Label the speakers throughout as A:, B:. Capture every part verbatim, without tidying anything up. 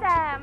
A: แจม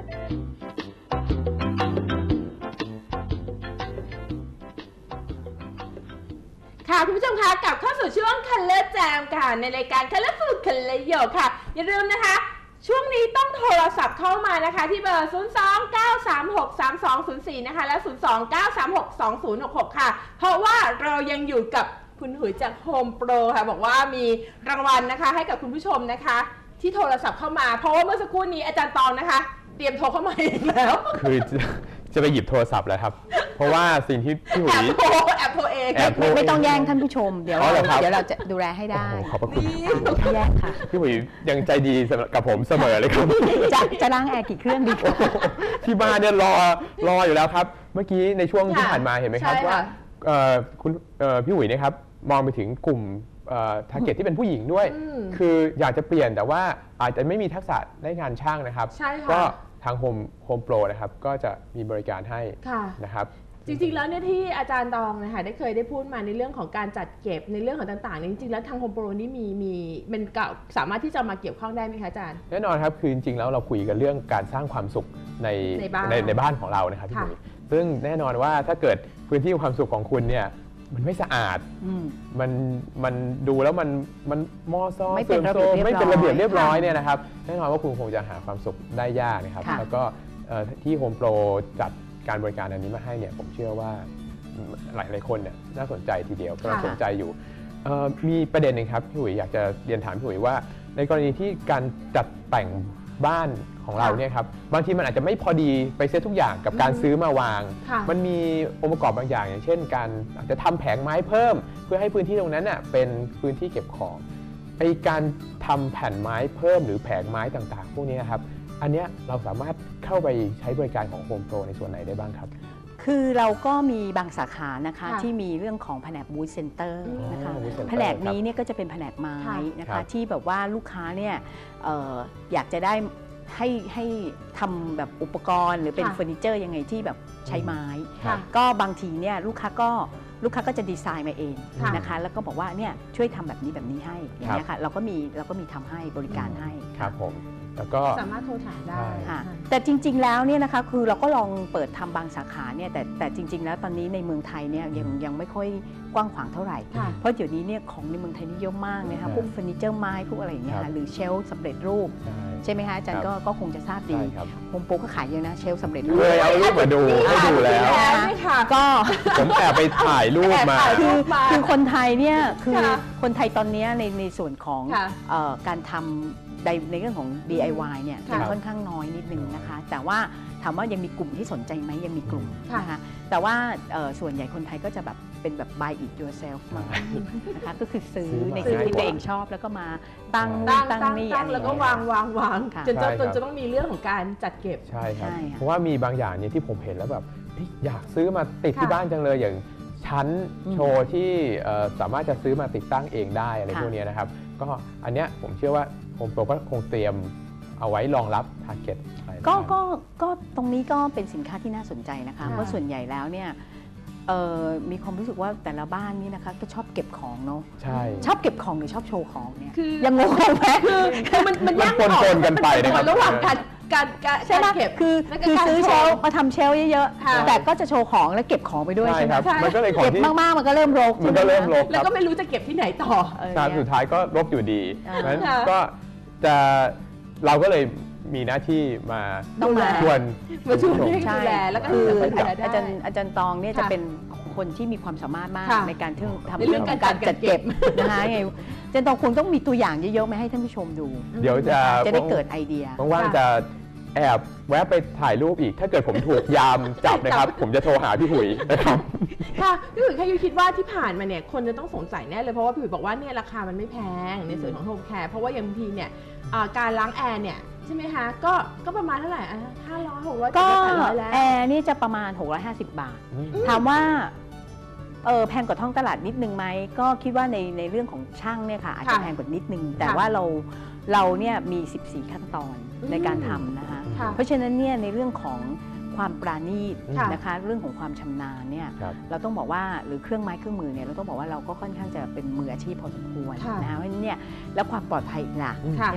A: ค่ะคุณผู้ชมคะกลับเข้าสู่ช่วง Color Jam ค่ะในรายการ Colorful Color Yo ค่ะอย่าลืมนะคะช่วงนี้ต้องโทรศัพท์เข้ามานะคะที่เบอร์ ศูนย์ สอง เก้า สาม หก สาม สอง ศูนย์ สี่ นะคะและ ศูนย์ สอง เก้า สาม หก สอง ศูนย์ หก หก ค่ะเพราะว่าเรายังอยู่กับคุณหุยจาก Home Pro ค่ะบอกว่ามีรางวัลนะคะให้กับคุณผู้ชมนะคะที่โทรศัพท์เข้ามาเพราะว่าเมื่อสักครู่นี้อาจารย์ตองนะคะเตรียมโทรเข้ามาอีกแล้ว
B: คือจะไปหยิบโทรศัพท์แล้วครับเพราะว่าสิ่งที่พี่หุย
A: แอบโทรแอบโทรเอง
C: ไม่ไม่ต้องแย่งท่านผู้ชมเดี๋ยวเดี๋ยวเราจะดูแลให้ได้
B: ขอบพระคุณ
C: แย่งค่ะ
B: พี่หุยยังใจดีกับผมเสมอเลยครับ
C: จะจะล้างแอร์กี่เครื่องดี
B: ที่บ้านเนี่ยรอรออยู่แล้วครับเมื่อกี้ในช่วงที่ผ่านมาเห็นไหมครับว่าคุณพี่หุยนะครับมองไปถึงกลุ่มทาร์เก็ตที่เป็นผู้หญิงด้วยคืออยากจะเปลี่ยนแต่ว่าอาจจะไม่มีทักษะในงานช่างนะครับก็ทาง Home Home Pro นะครับก็จะมีบริการให้นะครับ
A: จริงๆแล้วเนี่ยที่อาจารย์ตองนะคะได้เคยได้พูดมาในเรื่องของการจัดเก็บในเรื่องของต่างๆจริงๆแล้วทาง Home Pro นี่มีมีเป็นสามารถที่จะมาเกี่ยวข้องได้ไหมคะอาจารย์
B: แน่นอนครับคือจริงๆแล้วเราคุยกันเรื่องการสร้างความสุขในในบ้านในในบ้านของเรานะครับพี่หนุ่ยซึ่งแน่นอนว่าถ้าเกิดพื้นที่ความสุขของคุณเนี่ยมันไม่สะอาดมันมันดูแล้วมันมันมอซ้อ
C: ไม่เป็นระเบียบ
B: ไม่เป็นระเบียบเรียบร้อยเนี่ยนะครับแน่นอนว่าคุณคงจะหาความสุขได้ยากนะครับแล้วก็ที่ Home Pro จัดการบริการอันนี้มาให้เนี่ยผมเชื่อว่าหลายหลายคนเนี่ยน่าสนใจทีเดียวก็สนใจอยู่มีประเด็นหนึ่งครับพี่หุยอยากจะเรียนถามพี่หุยว่าในกรณีที่การจัดแต่งบ้านของเราเนี่ยครับบางทีมันอาจจะไม่พอดีไปเซตทุกอย่างกับการซื้อมาวางมันมีองค์ประกอบบางอย่างอย่างเช่นการอาจจะทำแผงไม้เพิ่มเพื่อให้พื้นที่ตรงนั้นน่ะเป็นพื้นที่เก็บของไอการทำแผ่นไม้เพิ่มหรือแผงไม้ต่างๆพวกนี้ครับอันนี้เราสามารถเข้าไปใช้บริการของ Home Pro ในส่วนไหนได้บ้างครับ
C: คือเราก็มีบางสาขานะคะที่มีเรื่องของแผนกบูธเซ็นเตอร์นะคะแผนกนี้เนี่ยก็จะเป็นแผนกไม้นะคะที่แบบว่าลูกค้าเนี่ยอยากจะได้ให้ให้ทำแบบอุปกรณ์หรือเป็นเฟอร์นิเจอร์ยังไงที่แบบใช้ไม้ก็บางทีเนี่ยลูกค้าก็ลูกค้าก็จะดีไซน์มาเองนะคะแล้วก็บอกว่าเนี่ยช่วยทำแบบนี้แบบนี้ให้อย่างเงี้ยค่ะเราก็มีเราก็มีทำให้บริการให้
B: ครับผมแล้วก็
A: สามารถโทรถามได้
C: ค่ะแต่จริงๆแล้วเนี่ยนะคะคือเราก็ลองเปิดทำบางสาขาเนี่ยแต่แต่จริงๆแล้วตอนนี้ในเมืองไทยเนี่ยยังยังไม่ค่อยกว้างขวางเท่าไหร่เพราะเดี๋ยวนี้เนี่ยของในเมืองไทยนี่เยอะมากนะคะพวกเฟอร์นิเจอร์ไม้พวกอะไรอย่างเงี้ยหรือเชลฟ์สำเร็จรูปใช่ไหมคะอาจารย์ก็ก็คงจะทราบดีโฮมโปรก็ขายเยอะนะเชลฟ์สำเร็จรูป
B: เลยเอารูปมาดูให้ดูแล้ว
C: ก็
B: ผมแอบไปถ่ายรูปมา
C: คือคือคนไทยเนี่ยคือคนไทยตอนนี้ในในส่วนของการทำในในเรื่องของ ดี ไอ วาย เนี่ยยังค่อนข้างน้อยนิดนึงนะคะแต่ว่าถามว่ายังมีกลุ่มที่สนใจไหมยังมีกลุ่มนะคะแต่ว่าส่วนใหญ่คนไทยก็จะแบบเป็นแบบ buy it yourself มานะคะก็คือซื้อในสิ่งที่ตัวเองชอบแล้วก็มาตั้งตั้งนี่อะไร
A: แล้วก็วางวางวางจนจนจะต้องมีเรื่องของการจัดเก็บ
B: ใช่ครับเพราะว่ามีบางอย่างเนี่ยที่ผมเห็นแล้วแบบอยากซื้อมาติดที่บ้านจังเลยอย่างชั้นโชว์ที่สามารถจะซื้อมาติดตั้งเองได้อะไรพวกนี้นะครับก็อันเนี้ยผมเชื่อว่าHome Pro ก็คงเตรียมเอาไว้รองรับ target
C: ก็ก็ก็ตรงนี้ก็เป็นสินค้าที่น่าสนใจนะคะเพราะส่วนใหญ่แล้วเนี่ยมีความรู้สึกว่าแต่ละบ้านนี่นะคะก็ชอบเก็บของเนาะ
B: ใช่
C: ชอบเก็บของหรือชอบโชว์ของเนี่ยยังงงไหม
A: คือมันมันยาก
B: ปนๆกันไปนะครับ
A: ระหว่างการการการ
C: ใช่ไหมคือคือซื้อเชลมาทำเชลเยอะๆแต่ก็จะโชว์ของและเก็บของไปด้วยใช่ไหม
B: มันก็เลย
C: เก็บมากๆมันก็เริ่มรก
B: มันก็เริ่มรก
A: แล้วก็ไม่รู้จะเก็บที่ไหนต่อ
B: สุดท้ายก็รกอยู่ดีงั้นก็จะเราก็เลยมีหน้าที่มาชวน
A: มาชวนให้ดูแลแล้วก็คือ
C: อาจารย์อาจารย์ตองเนี่ยจะเป็นคนที่มีความสามารถมากในการทำเรื่องการจัดเก็บนะคะไงอาจารย์ตองคงต้องมีตัวอย่างเยอะๆมาให้ท่านผู้ชมดู
B: เดี๋ยวจะ
C: จะได้เกิดไอเดีย
B: ว่างๆจะแอบแวะไปถ่ายรูปอีกถ้าเกิดผมถูกยามจับนะครับผมจะโทรหาพี่หุยนะครับ
A: ค่ะพี่หุยแค่ยุคิดว่าที่ผ่านมาเนี่ยคนจะต้องสงสัยแน่เลยเพราะว่าพี่หุยบอกว่าเนี่ยราคามันไม่แพงในส่วนของโฮมแคร์เพราะว่าอย่างบางทีเนี่ยการล้างแอร์เนี่ยใช่ไหมคะก็ก็ประมาณเท่าไหร่อ่ะห้าร้อยหกร้อยก็
C: แอร์นี่จะประมาณหกร้อยห้าสิบบาทถามว่าเออแพงกว่าท้องตลาดนิดนึงไหมก็คิดว่าในในเรื่องของช่างเนี่ยค่ะอาจจะแพงกว่านิดนึงแต่ว่าเราเราเนี่ยมีสิบสี่ขั้นตอนในการทำนะคะเพราะฉะนั้นเนี่ยในเรื่องของความปราณีตนะคะเรื่องของความชำนาญเนี่ยเราต้องบอกว่าหรือเครื่องไม้เครื่องมือเนี่ยเราต้องบอกว่าเราก็ค่อนข้างจะเป็นมืออาชีพพอสมควรนะคะเพราะฉะนั้นเนี่ยแล้วความปลอดภัยอีกล่ะใช่ไหม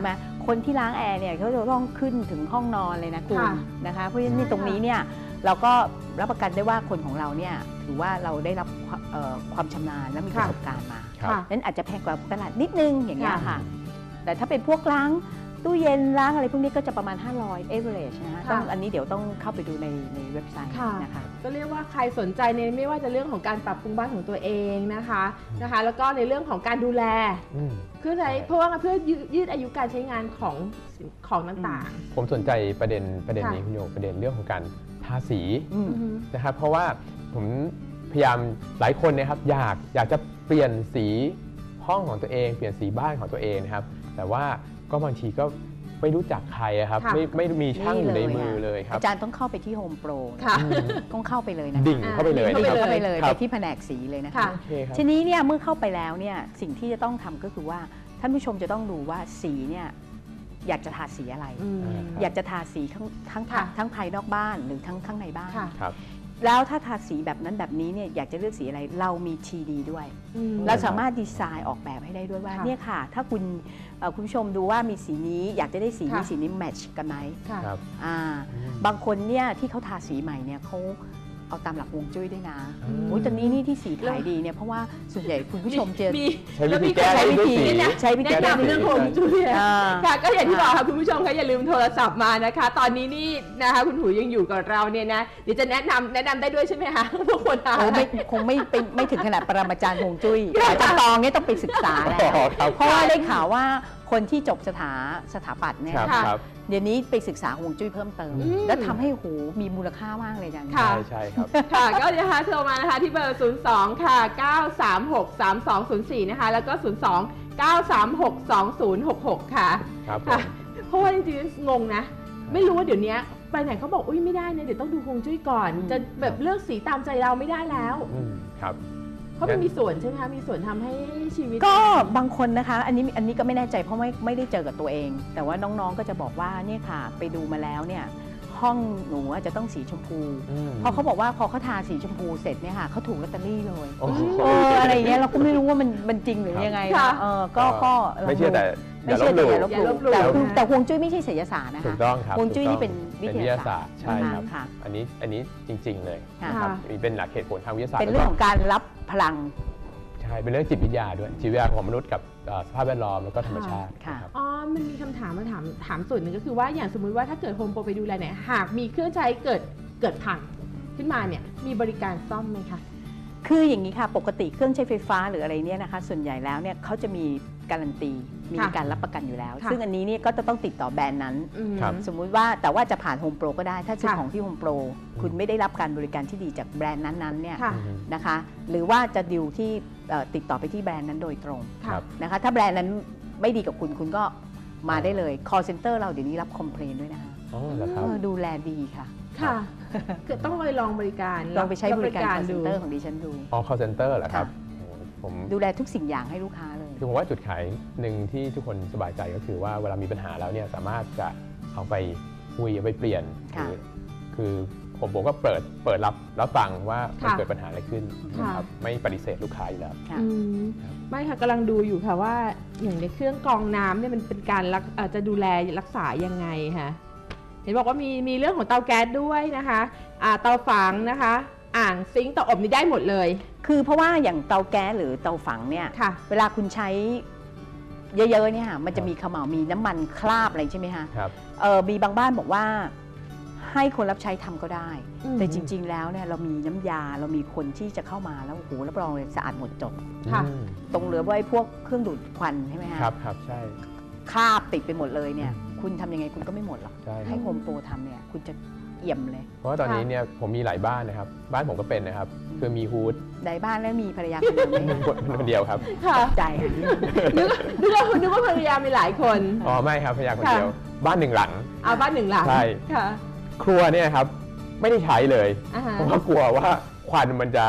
C: คนที่ล้างแอร์เนี่ยเขาจะต้องขึ้นถึงห้องนอนเลยนะคุณ
A: ค่ะ
C: นะคะเพราะฉะนั้น
A: ใช่
C: ตรงนี้เนี่ยเราก็รับประกันได้ว่าคนของเราเนี่ยถือว่าเราได้รับความเอ่อความชำนาญและมีประสบการณ์มา
B: ครับ
A: ค่ะ
C: นั้นอาจจะแพงกว่าตลาดนิดนึงอย่างเงี้ย
A: ค่ะ
C: ค่ะ แต่ถ้าเป็นพวกล้างตู้เย็นล้างอะไรพวกนี้ก็จะประมาณ ห้าร้อย average นะคะ
A: ค่ะ
C: ต้องอันนี้เดี๋ยวต้องเข้าไปดูในในเว็บไซต์
A: ค่ะ
C: นะคะ
A: ก็เรียกว่าใครสนใจในไม่ว่าจะเรื่องของการปรับปรุงบ้านของตัวเองนะคะนะคะ แล้วก็ในเรื่องของการดูแล
B: อืม
A: เพื่อใช้เพราะว่าเพื่อยืดยืดอายุการใช้งานของสิ่งของต่าง
B: ผมสนใจประเด็นประเด็น
A: ค่ะ
B: นี้คุณโยประเด็นเรื่องของการทาสี
C: อื
A: ๆ
C: ม
A: อือฮึ
B: นะครับ เพราะว่าผมพยายามหลายคนนะครับอยากอยากจะเปลี่ยนสีห้องของตัวเองเปลี่ยนสีบ้านของตัวเองนะครับ แต่ว่าก็บางทีก็ไม่รู้จักใครอะครับ
A: ค่ะ
B: ไม่ไม่มีช่างอยู่ใน
C: นี่เลย
B: มือ
C: ค่ะ
B: เลยครับ
C: อาจารย์ต้องเข้าไปที่ Home Pro
A: ค่ะ
B: อืม
C: ต้องเข้าไปเลยนะคะ
B: ดิ่งเข้าไปเลย
A: ดิ่
C: ดิ่
A: ง
C: ง
A: เข้า
C: เข้าไปเลย
B: ครั
C: ไป
B: บ
C: ที่แผนกสีเลยนะคะ
A: ค่ะ
B: โอเคครับ
C: ทีนี้เนี่ยเมื่อเข้าไปแล้วเนี่ยสิ่งที่จะต้องทำก็คือว่าท่านผู้ชมจะต้องดูว่าสีเนี่ยอยากจะทาสีอะไร
A: อืม
C: อยากจะทาสีทั้งทั้ง
A: ค่ะ
C: ทั้งภายนอกบ้านหรือทั้งข้างในบ้าน
A: ค่ะ
B: ครับ
C: แล้วถ้าทาสีแบบนั้นแบบนี้เนี่ยอยากจะเลือกสีอะไรเรามี ที ดี ด้วย
A: อืม
C: เราสามารถดีไซน์ออกแบบให้ได้ด้วยว่า
A: ค่ะ
C: เนี่ยค่ะ ถ้าคุณเอ่อคุณผู้ชมดูว่ามีสีนี้อยากจะได้สี
A: ค่ะ
C: นี้สีนี้แมทช์กันไหม
A: ค่ะ
B: ครับ
C: อ่า
B: อืม
C: บางคนเนี่ยที่เขาทาสีใหม่เนี่ยเขาเอาตามหลักฮวงจุ้ยด้วยนะ
B: อืม
C: โอ้ยตอนนี้นี่ที่สีขายดีเนี่ยเพราะว่าส่วนใหญ่คุณผู้ชมจะ
A: มี
B: ใช้วิธีแก้
A: ใช้
B: ด้วย
A: วิธี
B: สี
A: เนี่ย
C: ใช้วิธี
A: แนะ
C: แก้
A: นำเรื่องของจุ้ย
C: อ่า
A: ค่ะก็อย่างที่บอกค่ะคุณผู้ชมคะอย่าลืมโทรศัพท์มานะคะ ตอนนี้นี่นะคะคุณหูยังอยู่กับเราเนี่ยนะเดี๋ยวจะแนะนำแนะนำได้ด้วยใช่ไหมคะทุกคนนะ
C: โอ้ไม่คงไม่เป็นไม่ถึงขนาดปรมาจารย์ฮวงจุ้ยอาจารย์ตองเนี่ยต้องไปศึกษาแล้ว
B: อ๋อครับ
C: เพราะว่าได้ข่าวว่าคนที่จบสถาสถาปัตย์เนี่ย
B: ครับ
A: ค่ะ
B: ครับ
C: เดี๋ยวนี้ไปศึกษาฮวงจุ้ยเพิ่มเติม
B: อืม
C: แล้วทำให้โหมีมูลค่ามากเลยจัง
A: ค่ะ
B: ใช่ใช่ครับ
A: ค่ะก็นะคะโทรมานะคะที่เบอร์ ศูนย์ สอง ค่ะ เก้า สาม หก สาม สอง ศูนย์ สี่ นะคะ แล้วก็ ศูนย์ สอง เก้า สาม หก สอง ศูนย์ หก หก ค่ะ
B: ครับผ
A: ค่ะ
B: ม
A: เพราะว่าจริงๆงงนะ ไม่รู้ว่าเดี๋ยวนี้ไปไหนเขาบอกอุ้ยไม่ได้นะเดี๋ยวต้องดูฮวงจุ้ยก่อน จะแบบเลือกสีตามใจเราไม่ได้แล้ว
B: อืมครับ
A: เพราะมันมีส่วนใช่ไหมคะมีส่วนทำให้ชีวิต
C: ก็บางคนนะคะ อันนี้อันนี้ก็ไม่แน่ใจเพราะไม่ไม่ได้เจอกับตัวเอง แต่ว่าน้องๆก็จะบอกว่าเนี่ยค่ะ ไปดูมาแล้วเนี่ยห้องหนูจะต้องสีชมพู
B: อืม
C: เพราะเขาบอกว่าพอเขาทาสีชมพูเสร็จเนี่ยค่ะเขาถูกลอตเตอรี่เลย
B: โอ้โห
C: เอออะไรเงี้ยเราก็ไม่รู้ว่ามันมันจริงหรือยังไง
A: ค่ะ
C: นะเออก็ก็ลง
B: ไม่เชื่อแต่
C: ไม่เชื่อแต่อย่าลบ
A: อย่า
C: ห
A: ล
C: ลู่
A: บหลู่
C: แต่คือ
A: นะ
C: แต่ฮวงจุ้ยไม่ใช่ศิลศาสตร์นะ
B: ถู
C: คะ
B: กต้องครับ
C: ฮวงจุ้ย
B: ถูก
C: นี่
B: ต้อง
C: เป็นวิทยาศาสตร์
B: ใช่ครับ
C: ค่ะ
B: อันนี้อันนี้จริง ๆ เลย
C: ค่ะ
B: นะครับมีเป็นหลักเหตุผลทางวิทยาศาสตร์
C: เป็นเรื่องของการรับพลัง
B: ใช่เป็นเรื่องจิตวิทยาด้วยจิตวิทยาของมนุษย์กับเอ่อสภาพแวดล้อมแล้วก็ธรรมชาติ
C: ค่ะ
B: นะครับ
A: อ๋อ มันมีคำถามมาถามถามส่วนหนึ่งก็คือว่าอย่างสมมุติว่าถ้าเกิดโฮมโปรไปดูแลเนี่ยหากมีเครื่องใช้เกิดเกิดพังขึ้นมาเนี่ยมีบริการซ่อมไหมคะ
C: คืออย่างนี้ค่ะปกติเครื่องใช้ไฟฟ้าหรืออะไรเนี่ยนะคะส่วนใหญ่แล้วเนี่ยเขาจะมีการันตีมี
A: ค่ะ
C: การรับประกันอยู่แล้ว
A: ค่ะ
C: ซึ่งอันนี้เนี่ยก็จะต้องติดต่อแบรนด์นั้น
A: อืม
B: ครับ
C: สมมุติว่าแต่ว่าจะผ่านโฮมโปรก็ได้ถ้าซื้อ
A: ค่ะ
C: ของที่โฮมโปรคุณไม่ได้รับการบริการที่ดีจากแบรนด์นั้นๆเนี่ย
A: ค่ะ
B: อืม
C: นะคะหรือว่าจะดิวที่เอ่อติดต่อไปที่แบรนด์นั้นโดยตรง
B: ครั
A: ค่ะ
B: บ
C: นะคะถ้าแบรนด์นั้นไม่ดีกับคุณคุณก็มาได้เลย call center เราเดี๋ยวนี้รับคอมเพลนด้วยนะคะ
B: อ๋อเหรอครับ
C: เออดูแลดีค่ะ
A: ค่ะคือต้องไปลองบริการ
C: ลองไปใช้บริการ call
A: ดู
C: center ของดิฉันดู
B: อ๋อ call center เหรอครับโอ้ผม
C: ดูแลทุกสิ่งอย่างให้ลูกค้าเลย
B: คือผมว่าจุดขายหนึ่งที่ทุกคนสบายใจก็คือว่าเวลามีปัญหาแล้วเนี่ยสามารถจะเอาไปคุยเอาไปเปลี่ยน
C: ค่ะ
B: คือคือผมผมก็เปิดเปิดรับรับฟังว่ามัน
A: ค่ะ
B: เกิดปัญหาอะไรขึ้น
A: ค่ะ
B: นะครับไม่ปฏิเสธลูกค้าอยู่แล้ว
C: ค่ะ
A: อืมไม่ค่ะกำลังดูอยู่ค่ะว่าอย่างในเครื่องกรองน้ำเนี่ยมันเป็นการรักเอ่อจะดูแลรักษายังไงคะเห็นบอกว่ามีมีเรื่องของเตาแก๊สด้วยนะคะอ่าเตาฝังนะคะ อ่างซิงค์เตาอบนี่ได้หมดเลย
C: คือเพราะว่าอย่างเตาแก๊สหรือเตาฝังเนี่ย
A: ค่ะ
C: เวลาคุณใช้เยอะๆเนี่ยค่ะมันจะมีเขม่าวมีน้ำมันคราบอะไรใช่ไหมคะ
B: ครับ
C: เออมีบางบ้านบอกว่าให้คนรับใช้ทำก็ได้
A: อืม
C: แต่จริง ๆ แล้วเนี่ยเรามีน้ำยาเรามีคนที่จะเข้ามาแล้วโอ้โหรับรองเลยสะอาดหมดจด
A: ค่ะ
B: อืม
C: ตรงเหลือไว้พวกเครื่องดูดควันใช่ไหมคะ
B: ครับครับใช่
C: คราบติดไปหมดเลยเนี่ย คุณทำยังไงคุณก็ไม่หมดหรอก
B: ใช่ค
C: ให้
B: รับ
C: โฮมโปรทำเนี่ยคุณจะเอี่ยมเลย
B: เพราะว่าตอนนี้เนี่ยผมมีหลายบ้านนะครับ บ้านผมก็เป็นนะครับ คือมีฮูด
C: ในบ้านแล้วมีภรรยาคนเดียวไหมคะ
B: คนคนเดียวครับ
A: ค่ะ
C: ใจค่ะ
A: นึกนึกว่านึกว่าภรรยามีหลายคน
B: อ๋อไม่ครับภรรยาคน
A: ค่ะ
B: เดียว บ้านหนึ่งหลัง
A: เอาบ้านหนึ่งหลัง
B: ใช่
A: ค่ะ
B: ครัวเนี่ยครับไม่ได้ใช้เลย
A: อ่าฮะ
B: เพราะว่ากลัวว่าควันมันจะ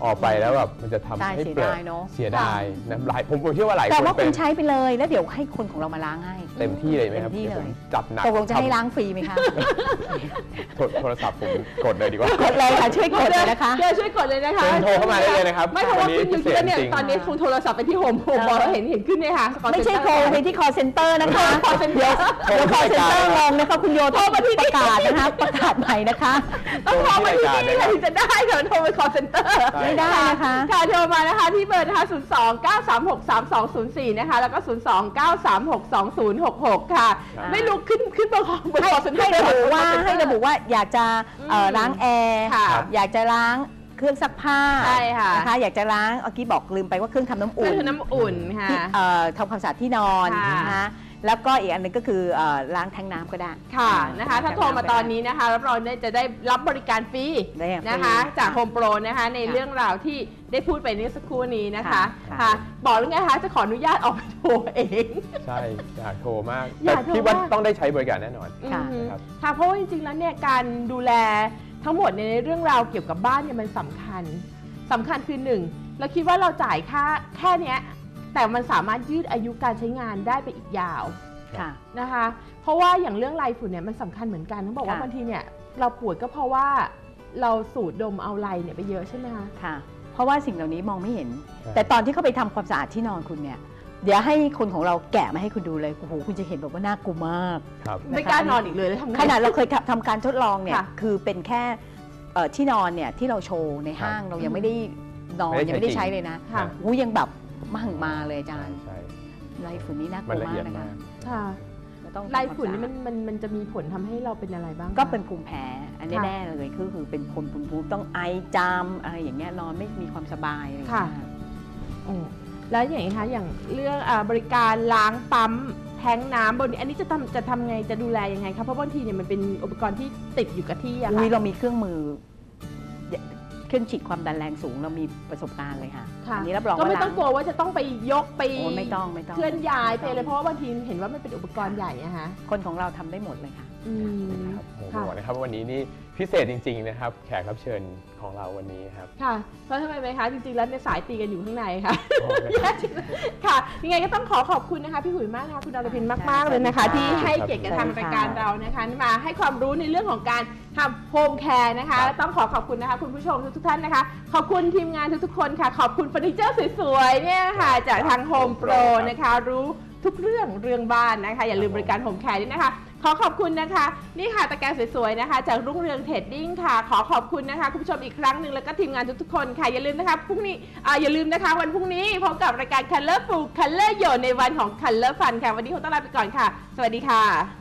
B: ออกไปแล้วแบบมันจะทำ
C: ใช่
B: ให้
C: เสีย
B: เปลือก
C: ดายเนอะ
B: เสียดายนะหลายผมผมเชื่อว่าหลายค
C: แต่
B: น
C: ว่า
B: เป็
C: คุ
B: น
C: ณใช้ไปเลยแล้วเดี๋ยวให้คนของเรามาล้างให้
B: เต็มที่เลยไหมครับ
C: เต็มที่
B: ดี๋วผม
C: เลย
B: จัดหนัก
C: ตกลงจะให้
B: ทำ
C: ล้างฟรีไหมคะ
B: โทรโทรศัพท์ผมกดเลยดีกว่า
C: กดเลยค่ะช่วยกดเลยนะคะ
A: เดี๋ยวช่วยกดเลยนะคะ
B: เชิญโทรเข้ามาได้เลยนะครับ
A: ไม่เพราะว่า
B: วันนี้
A: ขึ้นอยู่ที่แล้วเนี่ย
B: พิเศษจริง
A: ตอนนี้คงโทรศัพท์ไปที่โฮมโฮมบอกเราเห็นเห็นขึ้นเนี่ยค่ะ
C: ไม่ใช่โทรไปที่ call center นะคะ
A: call center
C: เดี๋ยว call center งงนะคะคุณโยโทรมาที่ประกาศนะคะประกาศใหม่นะคะ
A: ต้องโทรมาที่นี่ค่ะถึงจะได้ค่ะโทรไป call center
C: ไม่ได้นะคะ
A: ค่ะโทรมานะคะที่เบอร์นะคะศูนย์ สอง เก้า สาม หก สาม สอง ศูนย์ สี่นะคะแล้วก็ศูนย์ สอง เก้า สาม หก สอง ศูนย์ หก หกค่ะ
B: ครับ
A: ไม่รู้ขึ้นขึ้นเบอร์ของเบอร์ call center
C: ให้ระบุว่า
A: call center
C: ให้ระบุว่าอยากจะเอ่อ
A: อืม
C: ล้างแอร์
A: ค่ะ
C: อยากจะล้างเครื่องซักผ้า
A: ใช่ค่ะ
C: นะคะอยากจะล้างเมื่อกี้บอกลืมไปว่าเครื่องทำน้ำ
A: อุ่
C: อุ่
A: น
C: น
A: น้ำอุ่นค่ะ
C: ที่เอ่อทำความสะอาดที่นอน
A: ค่ะ
C: นะคะแล้วก็อีกอันหนึงก็คือเอ่อล้างแทงน้ำก็ได้
A: ค่ะนะคะถ้าโทรมาตอนนี้นะคะรับรองได้จะได้รับบริการฟรี
C: ได้ฟรี
A: นะคะจาก
C: ค่ะ
A: โฮมโปรนะคะใน
C: ค่ะ
A: เรื่องราวที่ได้พูดไปเมื่อสักครู่นี้นะคะ
C: ค่ะ
A: ค่ะบอกแล้วไงคะจะขออนุญาตออกไปโทรเอง
B: ใช่อยากโทรมาก
A: อยา
B: แต่
A: กโทร
B: พี่ว่า
A: มาก
B: ต้องได้ใช้บริการแน่นอน
C: ค่ะ
A: อืม
B: ครับ
A: ค่ะเพราะว่าจริงๆแล้วเนี่ยการดูแลทั้งหมดในเรื่องราวเกี่ยวกับบ้านเนี่ยมันสำคัญสำคัญคือหนึ่งเราคิดว่าเราจ่ายค่าแค่เนี้ยแต่มันสามารถยืดอายุการใช้งานได้ไปอีกยาว
C: ค่ะ
A: นะคะเพราะว่าอย่างเรื่องไรฝุ่นเนี่ยมันสำคัญเหมือนกันต้องบอกว่า
C: ค่ะ
A: บางทีเนี่ยเราป่วยก็เพราะว่าเราสูดดมเอาไรเนี่ยไปเยอะใช่ไหมคะ
C: ค่ะ เพราะว่าสิ่งเหล่านี้มองไม่เห็น
B: ใช่
C: แต่ตอนที่เขาไปทำความสะอาดที่นอนคุณเนี่ย เดี๋ยวให้คนของเราแกะมาให้คุณดูเลยโอ้โหคุณจะเห็นแบบว่าน่ากลัวมาก
B: ครับ
A: ไม่กล้านอนอีกเลยแล้วทำไง
C: ขนาดเราเคยทำทำการทดลองเนี่ย
A: ค่ะ
C: คือเป็นแค่เอ่อที่นอนเนี่ยที่เราโชว์ในห้างเรายังไม่ได้นอน
B: ไม่ได้
C: ยังไม่ได้
B: ใช้
C: ใช้
B: จริง
C: เลยนะ
A: ค่ะ
C: หูยังแบบมั่งมาเลยอาจารย์
B: ใช่
C: ไรฝุ่นนี่น่าก
B: มัน
C: ลัว
A: 嗯
B: ละเอียด
C: มากนะ
B: มา
C: คะ
B: ก
A: ค่ะ
C: เราต้อง
A: ไร
C: ทำความ
A: ฝุ่นนี่
C: สะอา
A: มั
C: ด
A: นมันมันจะมีผลทำให้เราเป็นอะไรบ้างคะ
C: ก็เป็นภูมิแพ้อันนี้
A: ค่ะ
C: แน่เลยคือคือเป็นคนภูมิภูมิต้องไอจามอะไรอย่างเงี้ยนอนไม่มีความสบายอะไรอย่าง
A: ค่ะ
C: เงี้ย
A: โอ้แล้วอย่างนี้คะอย่างเรื่องอาบริการล้างปั๊มแทงน้ำบนนี้อันนี้จะทำจะทำไงจะดูแลยังไงคะเพราะบางทีเนี่ยมันเป็นอุปกรณ์ที่ติดอยู่กับที่อะ
C: อุ้ย
A: ค่ะ
C: เรามีเครื่องมือเครื่องฉีดความดันแรงสูงเรามีประสบการณ์เลยค่ะ
A: ค่ะ
C: อันนี้รับรอง
A: ก็ไม่
C: ว่า
A: ต้องกลัวว่าจะต้องไปยกไป
C: โอ้ไม่ต้องไม่ต้อง
A: เคลื่อนย้ายไปเลยเพราะว่าบางทีเห็นว่ามันเป็นอุปกรณ์ใหญ่อะฮะ
C: คนของเราทำได้หมดเลยค่ะ
A: อืม
B: ครับโอ้โห
A: ค่ะ
B: บอกนะครับว่าวันนี้นี่พิเศษจริง ๆ นะครับ แขกรับเชิญของเราวันนี้ครับ
A: ค่ะเพราะทำไมไหมคะจริงๆแล้วในยสายตีกันอยู่ข้างในค่ะ
B: โอ้นะครับ
A: ค่ะยังไงก็ต้องขอขอบคุณนะคะพี่หุยมากนะคะคุณดารพินมากๆเลยนะคะ
C: ค่ะ
A: ที่ให้เกียรติกับทางรายการเรานะคะมาให้ความรู้ในเรื่องของการทำโฮมแคร์นะคะ
B: ครับ
A: ต้องขอขอบคุณนะคะคุณผู้ชมทุกๆท่านนะคะ ขอบคุณทีมงานทุกๆคนค่ะ ขอบคุณเฟอร์นิเจอร์สวยๆเนี่ยค่ะจากทางโฮมโปรนะคะ รู้ทุกเรื่องเรื่องบ้านนะคะ อย่าลืมบริการโฮมแคร์ด้วยนะคะ ขอขอบคุณนะคะ นี่ค่ะตะแกรงสวยๆนะคะ จากรุ่งเรืองเทรดดิ้งค่ะ ขอขอบคุณนะคะคุณผู้ชมอีกครั้งหนึ่งแล้วก็ทีมงานทุกๆคนค่ะอย่าลืมนะคะพรุ่งนี้อ่าอย่าลืมนะคะ วันพรุ่งนี้พบกับรายการ Colorful Color โยในวันของ Color Fun ค่ะวันนี้คงต้องลาไปก่อนค่ะ สวัสดีค่ะ